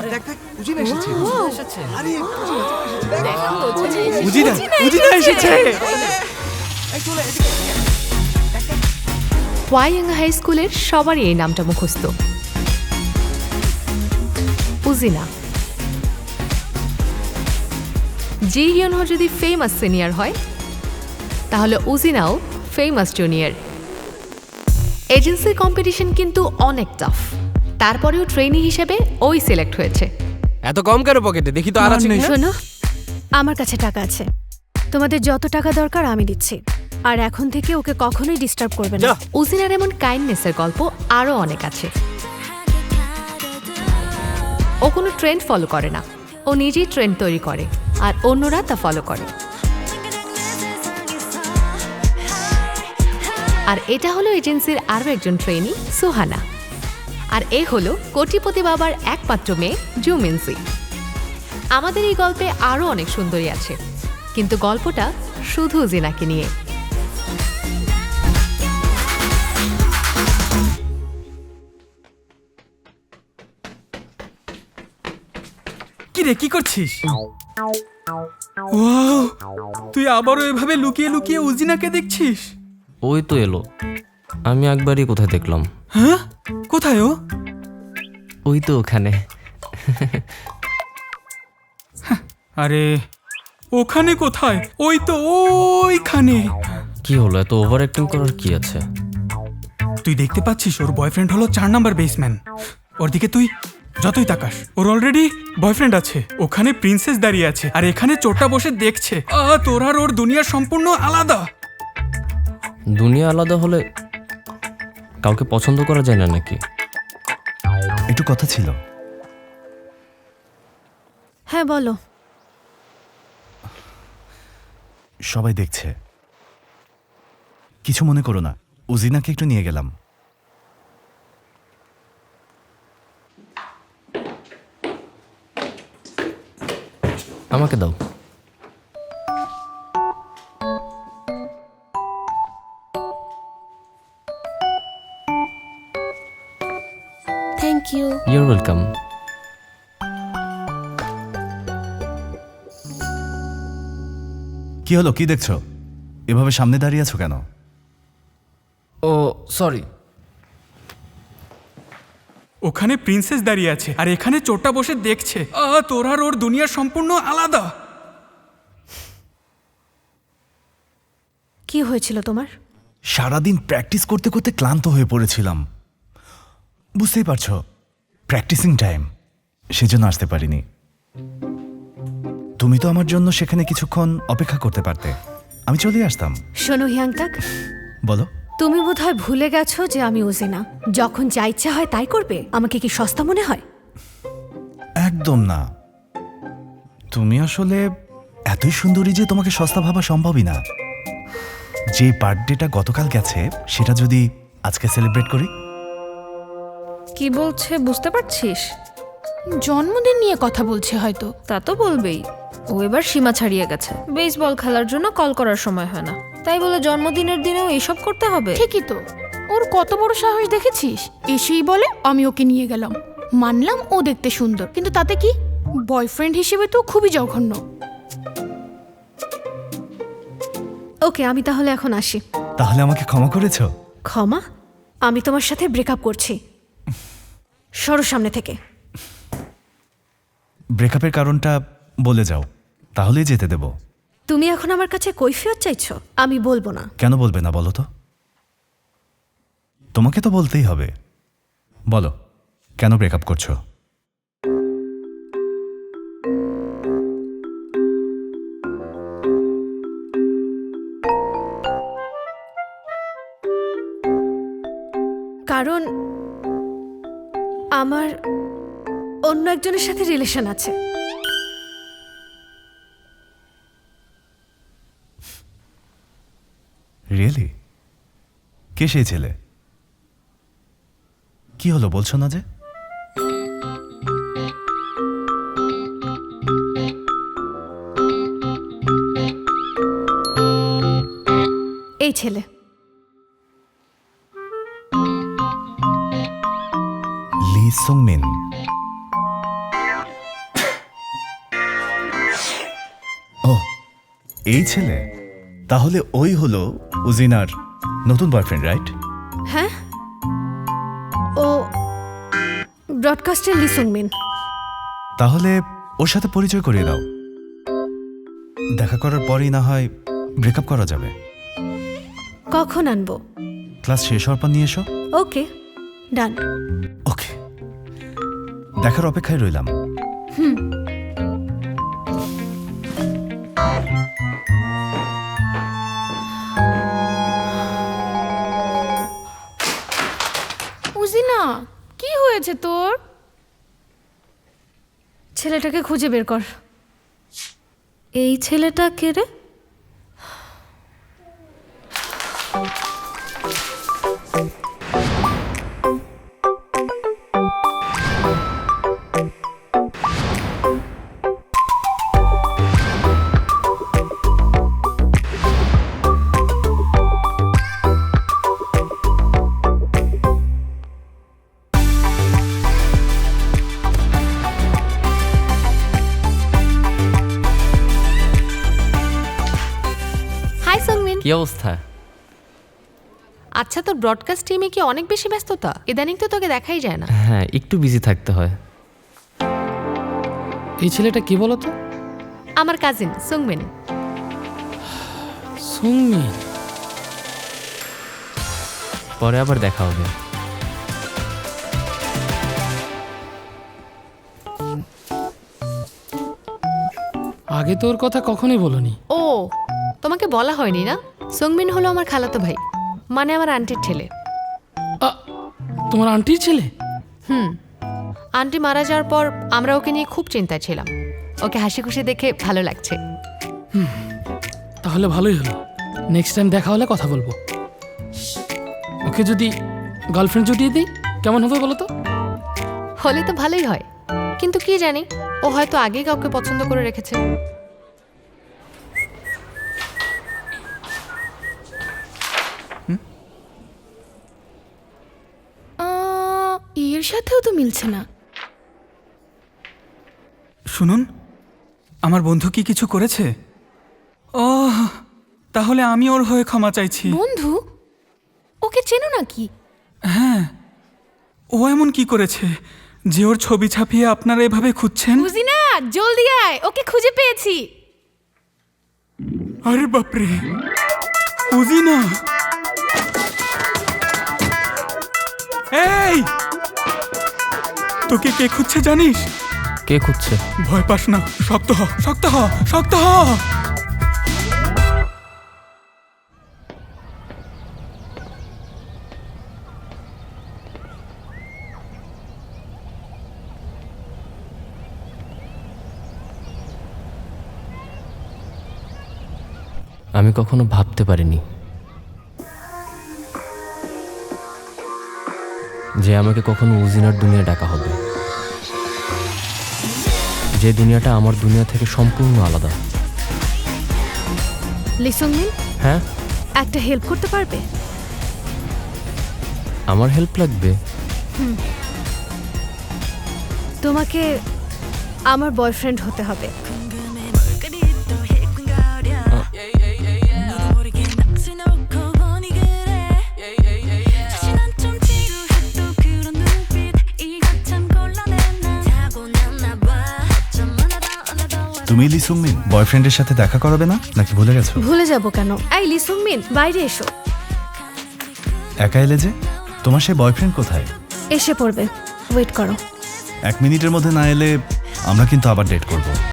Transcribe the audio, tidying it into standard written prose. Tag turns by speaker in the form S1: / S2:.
S1: দেখ দেখ উজিনা এসেছে। আরে
S2: উজিনা এসেছে।
S1: এই চলে এদিকে।
S3: ওয়াইয়াঙ্গা হাই স্কুলের সবারই এই নামটা মুখস্থ, উজিনা। জি হিয়নহো যদি ফেমাস সিনিয়র হয়, তাহলে উজিনাও ফেমাস জুনিয়র। এজেন্সির কম্পিটিশন কিন্তু অনেক টাফ, তারপরেও ট্রেনি হিসেবে ওই সিলেক্ট হয়েছে।
S2: এত কম কেন পকেটে? দেখি তো আর আছে কিনা।
S4: শোনো, আমার কাছে টাকা আছে, তোমাদের যত টাকা দরকার আমি দিচ্ছি, আর এখন থেকে ওকে কখনোই ডিস্টার্ব করবে না।
S3: উজিনার এমন কাইন্ডনেসের গল্প আরও অনেক আছে। ও কোনো ট্রেন্ড ফলো করে না, ও নিজেই ট্রেন্ড তৈরি করে আর অন্যরা তা ফলো করে। আর এটা হলো এজেন্সির আরও একজন ট্রেনি, সুহানা। আর এ হলো কোটিপতি বাবার একমাত্র মেয়ে, জুমিনসি। আমাদের এই গল্পে আরও অনেক সুন্দরী আছে, কিন্তু গল্পটা শুধু জিনাকে নিয়ে।
S5: কি রে, কি করছিস? ওয়াও, তুই আবারও এভাবে লুকিয়ে লুকিয়ে উজিনাকে দেখছিস?
S6: ওই তো এলো। আমি একবারই কোথায় দেখলাম।
S5: হ্যাঁ, কোথায় ও?
S6: ওই তো ওখানে।
S5: আরে ওখানে কোথায়? ওই তো ওইখানে।
S6: কি হলো, এত ওভার অ্যাক্টিং করার কি আছে?
S5: তুই দেখতে পাচ্ছিস ওর বয়ফ্রেন্ড হলো 4 নাম্বার বেসম্যান। ওর দিকে তুই যতই তাকাস, ওর অলরেডি বয়ফ্রেন্ড আছে। ওখানে প্রিন্সেস দাঁড়িয়ে আছে, আর এখানে চোরটা বসে দেখছে। তোর আর ওর দুনিয়া সম্পূর্ণ আলাদা।
S6: দুনিয়া আলাদা হলে কাউকে পছন্দ করা যায় না নাকি?
S1: একটু কথা ছিল।
S4: হ্যাঁ বলো।
S1: সবাই দেখছে, কিছু মনে করো না। উজিনাকে একটু নিয়ে গেলাম।
S6: আমাকে দাও।
S4: Thank you.
S6: You're welcome.
S1: কি হলো, কি দেখছো? এভাবে সামনে দাঁড়িয়ে আছো কেন?
S6: ও সরি।
S5: ওখানে প্রিন্সেস দাঁড়িয়ে আছে, আর এখানে চোরটা বসে দেখছে। তোর আর ওর দুনিয়া সম্পূর্ণ আলাদা।
S4: কি হয়েছিল তোমার?
S1: সারাদিন প্র্যাকটিস করতে করতে ক্লান্ত হয়ে পড়েছিলাম। বুঝতেই পারছো, প্র্যাকটিসিং টাইম, সেজন্য আসতে পারিনি। তুমি তো আমার জন্য সেখানে কিছুক্ষণ অপেক্ষা করতে পারতে, আমি চলে আসতাম।
S4: শোনো হিয়াংতাক,
S1: বলো।
S4: তুমি বোধহয় ভুলে গেছো যে আমি উজিনা। যখন যা ইচ্ছা হয় তাই করবে। আমাকে কি সস্তা মনে হয়?
S1: একদম না। তুমি আসলে এতই সুন্দরী যে তোমাকে সস্তা ভাবা সম্ভবই না। যে বার্থডেটা গতকাল গেছে, সেটা যদি আজকে সেলিব্রেট করি।
S7: কি বলছে বুঝতে পারছিস?
S8: জন্মদিন নিয়ে কথা বলছে হয়তো।
S7: তা তো বলবেই। ও এবার সীমা ছাড়িয়ে গেছে। বেসবল খেলার জন্য কল করার সময় হয় না, তাই বলে জন্মদিনের দিনেও এসব করতে হবে?
S8: ঠিকই তো, ওর কত বড় সাহস দেখেছিস? এসেই বলে আমি ওকে নিয়ে গেলাম। মানলাম ও দেখতে সুন্দর, কিন্তু তাতে কি? বয়ফ্রেন্ড হিসেবে তো খুবই জঘন্য।
S4: ওকে, আমি তাহলে এখন আসি।
S1: তাহলে আমাকে ক্ষমা করেছো?
S4: ক্ষমা? আমি তোমার সাথে ব্রেকআপ করছি। সরো সামনে থেকে।
S1: ব্রেকআপের কারণটা বলে যাও, তাহলেই যেতে দেব।
S4: তুমি এখন আমার কাছে কৈফিয়ত চাইছো? আমি বলবো না।
S1: কেন বলবে না বলো তো? তোমাকে তো বলতেই হবে। বলো, কেন ব্রেকআপ করছো?
S4: কারণ আমার অন্য একজনের সাথে রিলেশন আছে।
S1: রিয়েলি? কে সেই ছেলে? কি হলো, বলছো না যে?
S4: এই ছেলে।
S1: লি সুংমিন। এই ছেলে তাহলে ওই হলো উজিনার নতুন বয়ফ্রেন্ড, রাইট?
S4: হ্যাঁ, ও ব্রডকাস্টের লি সুংমিন।
S1: তাহলে ওর সাথে পরিচয় করিয়ে দাও। দেখা করার পরই না হয় ব্রেকআপ করা যাবে।
S4: কখন আনবো?
S1: ক্লাস শেষ হওয়ার পর নিয়ে এসো।
S4: ওকে, ডান।
S1: ওকে, দেখার অপেক্ষায় রইলাম।
S8: উজিনা, কি হয়েছে তোর?
S4: ছেলেটাকে খুঁজে বের কর।
S7: এই ছেলেটা কে রে?
S3: Hi Sungmin.
S6: কি অবস্থা?
S3: আচ্ছা, তোর ব্রডকাস্ট টিমে কি অনেক বেশি ব্যস্ততা? ইদানিং তো তোকে দেখাই যায় না।
S6: হ্যাঁ, একটু বিজি থাকতে হয়।
S2: এই ছেলেটা কি বলো তো?
S3: আমার কাজিন সুংমিন।
S2: সুংমি।
S6: পরে আবার দেখা হবে।
S2: আগে তোর কথা কখনোই বলনি।
S3: ও, তোমাকে বলা হয়নি না? সুংমিন হলো আমার খালাতো ভাই, মানে আমার আন্টির ছেলে।
S2: তোমার আন্টির ছেলে?
S3: আন্টি মারা যাওয়ার পর আমরা ওকে নিয়ে খুব চিন্তায় ছিলাম। ওকে হাসি খুশি দেখে ভালো লাগছে।
S2: তাহলে ভালোই হলো। নেক্সট টাইম দেখা হলে কথা বলবো। ওকে যদি গার্লফ্রেন্ড জুটিয়ে দিই কেমন হবে বলো তো?
S3: হলে তো ভালোই হয়, কিন্তু কি জানি, ও হয়তো আগেই কাউকে পছন্দ করে রেখেছে।
S8: এর সাথেও তো মিলছে না।
S5: শুনুন, আমার বন্ধু কি কিছু করেছে? ও, তাহলে আমি ওর হয়ে ক্ষমা চাইছি।
S8: বন্ধু? ওকে চেনো নাকি?
S5: ও এমন কি করেছে যে ওর ছবি ছাপিয়ে আপনারা এভাবে খুঁজছেন?
S8: উজিনা, জলদি আয়, ওকে খুঁজে পেয়েছি।
S5: আরে বাপরে, উজিনা! এই, তোকে কে খুঁজছে জানিস?
S6: কে খুঁজছে?
S5: ভয় পাস না, শক্ত হ, শক্ত হ, শক্ত হ।
S6: আমি কখনো ভাবতে পারিনি যে আমাকে কখনো উজিনার দুনিয়া ডাকা হবে, যে দুনিয়াটা আমার দুনিয়া থেকে সম্পূর্ণ আলাদা।
S4: লি সুংমিন,
S6: হ্যাঁ,
S4: একটা হেল্প করতে পারবে?
S6: আমার হেল্প লাগবে?
S4: তোমাকে আমার বয়ফ্রেন্ড হতে হবে।
S1: তুমি লি সুংমিন বয়ফ্রেন্ডের সাথে দেখা করাবে না নাকি ভুলে গেছো?
S4: ভুলে যাব কেন? এই লি সুংমিন, বাইরে এসো।
S1: একা এলে যে? তোমার সেই বয়ফ্রেন্ড কোথায়?
S4: এসে পড়বে, ওয়েট করো।
S1: 1 মিনিটের মধ্যে না এলে আমরা কিন্তু আবার ডেট করব।